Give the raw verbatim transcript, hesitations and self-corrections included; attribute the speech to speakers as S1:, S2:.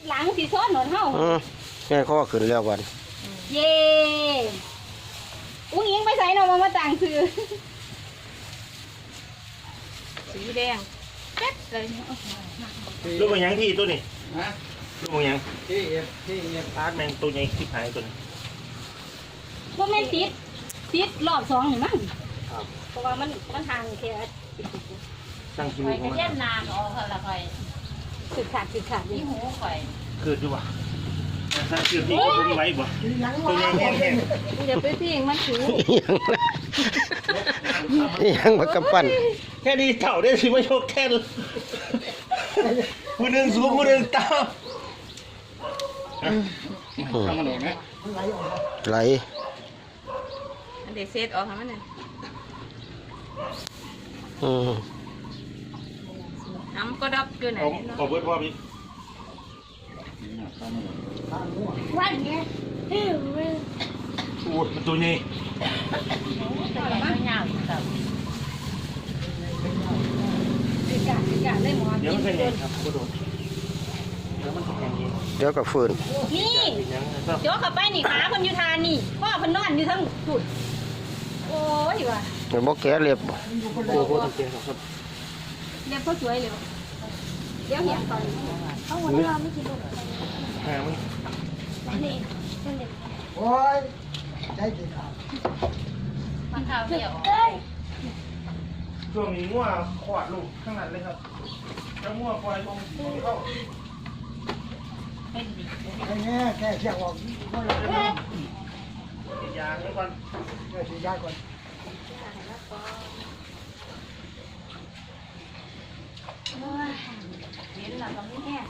S1: หลังสีซ้อนหนอนเฮา
S2: แม่ข้อขึ้นแล้ววัน
S1: เย่อุ้งยิงไปใส่เนาะมามาต่างซื้อสีแดงเป๊ะเลย
S3: ลูกมันยังที่ตัวนี้
S4: ฮะ
S3: ลูกมันยัง
S4: ที่เอฟที่เอฟ
S3: อาร์ตแมงตัวใหญ่ที่หายตัวนี้
S1: พวกแม่ติดติดรอบสองหรือมั้งเพราะว่ามันมันทางแค่
S3: ตั้งคิวของมัน
S5: เย็นนานออกละค่อย
S1: สึกขาดสึกขาด
S5: นี่
S1: นี่
S5: หูค่อย
S3: เกิดอยู่วะถ้าเกิดที่ก็ไม่ไหวบ่ตัวใหญ่แห้งแห้ง
S1: เดี๋ยวไปพิงมันถู
S2: ยังมากำปั้น
S3: แค่นี้เต่าได้สิไม่โชคแค่ผู้หนึ่งสูงผู้หนึ่งต่ำ
S4: ทำมันออกไหม
S2: ไหล
S5: อันเด็กเซตออกทำมันเลย
S2: อืม
S5: ทำก็ดับอยู่ไหน
S3: เอาเอาเบิร์ดพ่อพี่
S1: วันเนี้ย
S3: โอ้ยมันตัวใหญ่
S5: มันยาวครับ
S1: สึกขาดสึกขาดเลยหมอ
S3: เดี๋ยวมันเป็นไงครับกระโดดเดี๋ยวมันแข็งเอง
S2: เดี๋ยวกับฟืน
S1: นี่
S3: เป็นยังครับ
S1: เดี๋ยวเข้าไปนี่ขาคนอยู่ทานนี่พ่อคนนอนอยู่ทั้งจุดโอ้ยว่ะ
S2: เดี๋ยวบอกแกเรียบ
S3: โอ้โหตั้งเตียงครับ
S1: เดี๋ยวพ่อสวยเลยเดี๋ยวเห็นตอนเขาหัวเราไม่กินลูก
S3: หามัน
S1: นี่เป็นเด็ก
S4: โอ้ยใจเด็ดขาด
S5: มันเท้าเดียว
S3: ช่วงนี้งัวขวาดลูกข้างหลังเลยครับจะงัวปล่อยลงเข้า
S5: เป็นดี
S4: ไอ้แง่แค่เชือกออกก็เลย
S3: ติดยาไว้ก่อน
S4: แค่ฉีดยาก่อน
S1: เห็นหลังตรงนี้แน่